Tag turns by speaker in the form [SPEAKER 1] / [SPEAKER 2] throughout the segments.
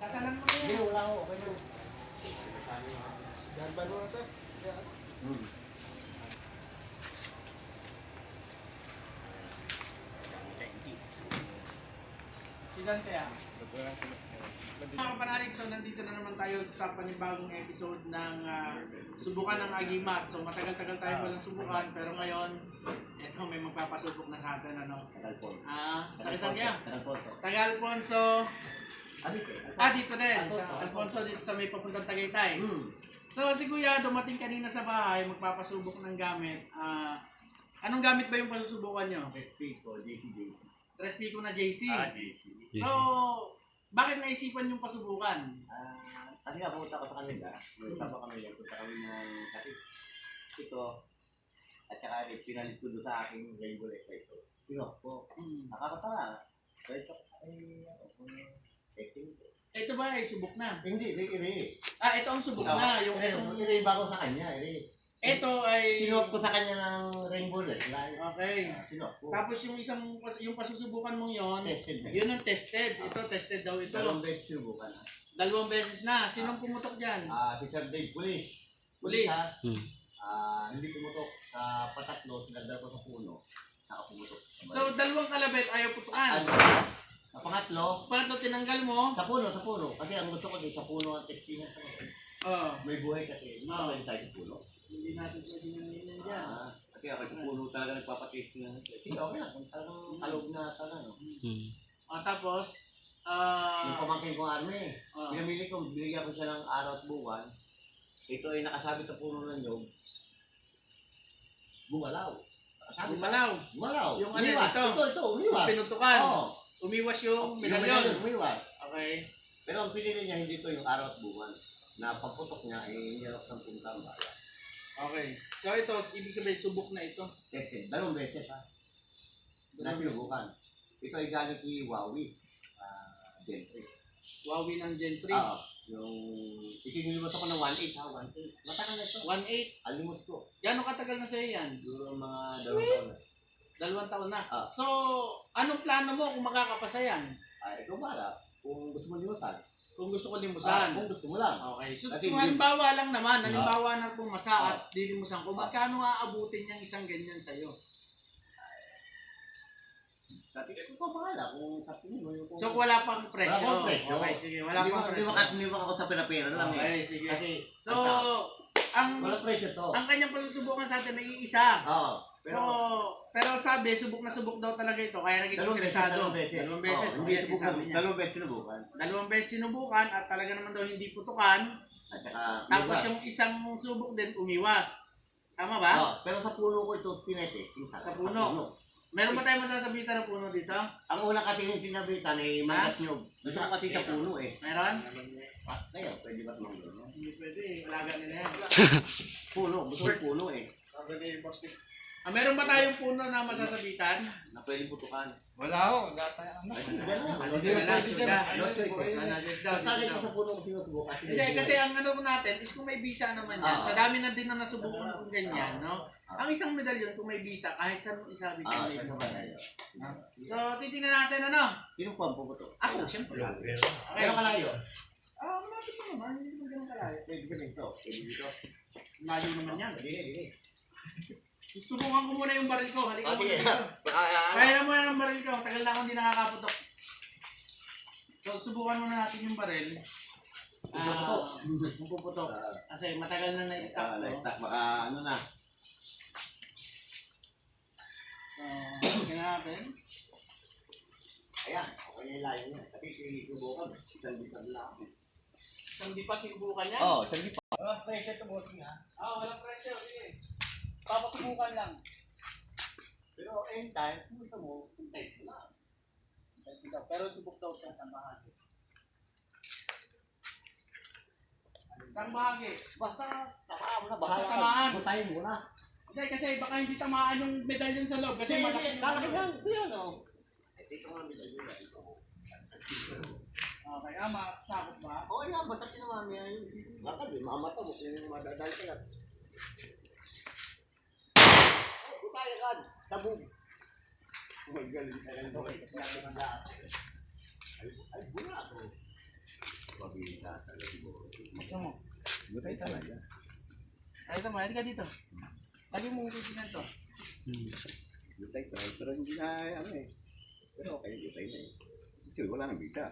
[SPEAKER 1] Kasalan mo na
[SPEAKER 2] Hindi,
[SPEAKER 1] yan.
[SPEAKER 2] wala ako. Okay na.
[SPEAKER 3] Yan ba mo na ito?
[SPEAKER 1] Si Dante ah. Mga kapanalig, so nandito na naman tayo sa panibagong episode ng subukan ng Agimat. So matagal-tagal tayo walang subukan, pero ngayon, eto may magpapasubok na sa atin, ano?
[SPEAKER 2] Tagalpon.
[SPEAKER 1] Tagasan kaya?
[SPEAKER 2] Tagalpon.
[SPEAKER 1] Taga Alfonso. Dito din. Sa Alfonso, dito sa may papuntang Tagaytay. So si Kuya, dumating kanina sa bahay, magpapasubok ng gamit. Anong gamit ba yung pasusubukan nyo?
[SPEAKER 2] Pico, JCJ.
[SPEAKER 1] 3 Pico na JC.
[SPEAKER 2] JC.
[SPEAKER 1] So, bakit naisipan yung pasubukan?
[SPEAKER 2] Kasi nga, pumunta ko sa kanila. Pumunta pa kami yan. Punta kami ng kapit. Ito. At saka pinalit ko doon sa aking rainbow lecture ito. Sinok ko. Nakakatara. So ito
[SPEAKER 1] Ito ba ay subok na?
[SPEAKER 2] Hindi, iri.
[SPEAKER 1] Ito ang subok na. Yung
[SPEAKER 2] iri ba ko sa kanya, iri.
[SPEAKER 1] Ito ay...
[SPEAKER 2] Sinok ko sa kanya ng rainbow lecture.
[SPEAKER 1] Okay.
[SPEAKER 2] Sinok ko.
[SPEAKER 1] Tapos yung pasusubukan mong yon,
[SPEAKER 2] Tested na.
[SPEAKER 1] yun ang tested. Ito, tested daw ito.
[SPEAKER 2] Dalawang beses sinubukan.
[SPEAKER 1] 2 beses na. Sinong pumutok dyan?
[SPEAKER 2] Si Sir Dave, Police.
[SPEAKER 1] Police.
[SPEAKER 2] Hindi pumutok sa patatlo, sinagdal ko sa puno. Saka pumutok.
[SPEAKER 1] So, 2 kalabit ayaw putukan.
[SPEAKER 2] Sa pangatlo,
[SPEAKER 1] Pangatlo, tinanggal mo.
[SPEAKER 2] sa puno. Kasi ang gusto ko din, sa puno ang testingan sa mga.
[SPEAKER 1] Oh,
[SPEAKER 2] May buhay kasi. Hindi
[SPEAKER 1] Oo.
[SPEAKER 2] tayo tayo sa puno.
[SPEAKER 1] hindi natin pwede nangyayang dyan.
[SPEAKER 2] Kasi ako sa puno talaga nagpapatest nga. Sige, okay lang. Kung talagang kalog na talaga. No?
[SPEAKER 1] Tapos,
[SPEAKER 2] Yung pamangkin kong army,
[SPEAKER 1] oh,
[SPEAKER 2] binamili ko, binigyan ko siya ng araw at buwan. Ito ay nakasabit sa puno ng nyog. Bumalaw. Nakasabit.
[SPEAKER 1] Bumalaw. Yung ano
[SPEAKER 2] Umiwas.
[SPEAKER 1] dito?
[SPEAKER 2] Ito, umiwas.
[SPEAKER 1] Pinutukan.
[SPEAKER 2] Oo.
[SPEAKER 1] Umiwas yung
[SPEAKER 2] Yung
[SPEAKER 1] medalyon.
[SPEAKER 2] umiwas.
[SPEAKER 1] Okay.
[SPEAKER 2] Pero ang pinili niya hindi ito yung araw at buwan. Na pagputok niya, hinirap ng punta ang bayan.
[SPEAKER 1] Okay. So ito, ibig sabihin, subok na ito.
[SPEAKER 2] Tested. 2 beses ha. Na pinubukan. Ito ay galing kay Huawei. Gen 3.
[SPEAKER 1] Huawei ng Gen 3.
[SPEAKER 2] Oo. Yung ikinilimutan ko ng 1.8 ha. 1.8. Matagal na ito.
[SPEAKER 1] 1.8.
[SPEAKER 2] Alimot ko.
[SPEAKER 1] Gano'ng katagal na sa'yo yan?
[SPEAKER 2] Siguro mga 2 taon na.
[SPEAKER 1] 2 taon na.
[SPEAKER 2] Ah.
[SPEAKER 1] So, anong plano mo kung makakapasa yan?
[SPEAKER 2] Ikaw para. Kung gusto mo limutan.
[SPEAKER 1] Kung gusto ko limusan.
[SPEAKER 2] Kung gusto mo lang.
[SPEAKER 1] Okay. So,
[SPEAKER 2] Kasi
[SPEAKER 1] kung halimbawa lang naman,
[SPEAKER 2] Ah.
[SPEAKER 1] halimbawa na pumasa at dilimusan ko, magkano aabutin niyang isang ganyan sa'yo?
[SPEAKER 2] Dati ko pa bahala kung sa tingin mo.
[SPEAKER 1] So, wala pang presyo.
[SPEAKER 2] Wala pang presyo.
[SPEAKER 1] Okay, sige. Wala pang presyo.
[SPEAKER 2] Hindi mo ako sa pinapera lang eh.
[SPEAKER 1] Okay, sige.
[SPEAKER 2] Kasi,
[SPEAKER 1] So, ang
[SPEAKER 2] wala presyo to.
[SPEAKER 1] kanyang pagsusubukan sa atin ay isa.
[SPEAKER 2] Oo.
[SPEAKER 1] Pero sabi, subok na subok daw talaga ito. Kaya naging interesado. 2 beses.
[SPEAKER 2] Hindi
[SPEAKER 1] Yes,
[SPEAKER 2] subukan.
[SPEAKER 1] sabi niya.
[SPEAKER 2] 2 beses sinubukan.
[SPEAKER 1] 2 beses sinubukan at talaga naman daw hindi putukan.
[SPEAKER 2] At saka,
[SPEAKER 1] Tapos yung isang subok din umiwas. Tama ba?
[SPEAKER 2] pero sa puno ko ito, tinete.
[SPEAKER 1] Sa puno. Meron ba tayong masasabitan ng puno dito?
[SPEAKER 2] Ang una kasi yung sinabitan ay mangas nyog. Gusto ko kasi sa puno eh.
[SPEAKER 1] Meron?
[SPEAKER 2] Kaya, pwede ba tumang gano'n?
[SPEAKER 1] Hindi pwede. Alaga nila yan.
[SPEAKER 2] Puno, gusto ko puno eh.
[SPEAKER 1] Meron ba tayong puno na masasabitan?
[SPEAKER 2] Na pwede putukan.
[SPEAKER 3] Wala ho. Wala tayo.
[SPEAKER 2] Ay, hindi gano'n.
[SPEAKER 1] Hindi na, suda.
[SPEAKER 2] Kasali ko sa puno ko sinusubukan.
[SPEAKER 1] Hindi, kasi ang ano natin is kung may visa naman yan. Sa dami na din na nasubukan kung ganyan, no? Ang isang medalyon kung may visa, kahit saan mo isabit yung may visa. So, titingnan natin ano?
[SPEAKER 2] Sino po ang puputok?
[SPEAKER 1] Ako, siyempre. Okay.
[SPEAKER 2] Pero kalayo.
[SPEAKER 1] Malapit mo naman. Hindi naman ganun kalayo.
[SPEAKER 2] Pwede ko dito. Pwede dito.
[SPEAKER 1] Layo naman yan.
[SPEAKER 2] Dili.
[SPEAKER 1] Subukan ko muna yung baril ko. Halika
[SPEAKER 2] Sige.
[SPEAKER 1] muna dito. Kaya na muna ng baril ko. Tagal na akong hindi nakakaputok. So, subukan muna natin yung baril. Kung puputok. Kasi matagal na na-stop ko.
[SPEAKER 2] Baka ano na.
[SPEAKER 1] So, tingnan natin.
[SPEAKER 2] Ayan. Okay na yung layo niya. Kasi sinubukan. Isang bitag lang.
[SPEAKER 1] Isang di pa sinubukan yan?
[SPEAKER 2] Oo, isang bitag. Pwede ito bossing ha.
[SPEAKER 1] Walang presyo. Sige. Papasubukan lang.
[SPEAKER 2] Pero anytime, kung gusto mo, type mo lang.
[SPEAKER 1] Pero subok daw siya ng bahagi. Isang bahagi.
[SPEAKER 2] Basta, tamaan mo na.
[SPEAKER 1] Basta tamaan.
[SPEAKER 2] Butahin mo na.
[SPEAKER 1] Hindi, kasi baka hindi tamaan yung medalyon sa loob. Kasi malaki.
[SPEAKER 2] Kalaki lang. Ito yan o. Ito nga medalyo yan.
[SPEAKER 1] Okay, masakot ba?
[SPEAKER 2] Oo yan, ba't natin naman yan? Baka di, makamata mo kung madadal ka yan. Butaya ka, tabog. Magaling ka lang. Ay, bula ako.
[SPEAKER 1] Gusto mo?
[SPEAKER 2] Gutay talaga.
[SPEAKER 1] Ay, ito mo, ka dito. Lagi mong titinan to.
[SPEAKER 2] Gutay talaga. Pero hindi na ano eh. Pero okay, gutay na eh. Kasi wala nang bita.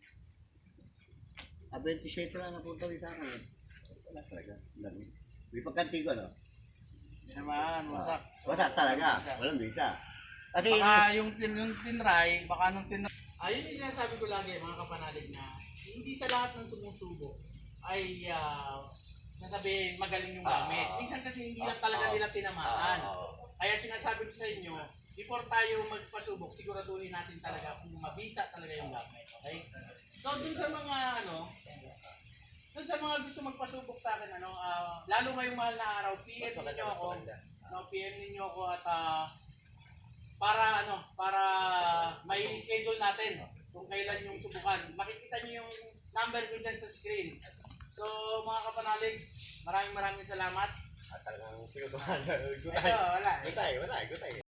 [SPEAKER 2] 27 lang napunta rin sa akin eh. Wala talaga. Dami. May pagkanti ko, no?
[SPEAKER 1] Hindi naman, wasak.
[SPEAKER 2] Wala talaga. Walang bita. Kasi
[SPEAKER 1] Baka yung tinry, baka nung tinry. Ayun yung sinasabi ko lagi mga kapanalig na hindi sa lahat ng sumusubok ay nasabihin magaling yung gamit. Minsan kasi hindi lang talaga nila tinamaan. Kaya sinasabi ko sa inyo, before tayo magpasubok, siguraduhin natin talaga kung mabisa talaga yung gamit. Okay? So dun sa mga dun sa mga gusto magpasubok sa akin, lalo ngayong mahal na araw, PM ninyo ako. PM ninyo ako at para may schedule natin kung kailan yung subukan. Makikita niyo yung number ko dyan sa screen. So mga kapanalig, maraming salamat.
[SPEAKER 2] talagang pinutuhan.
[SPEAKER 1] Ito, wala.
[SPEAKER 2] Gutay.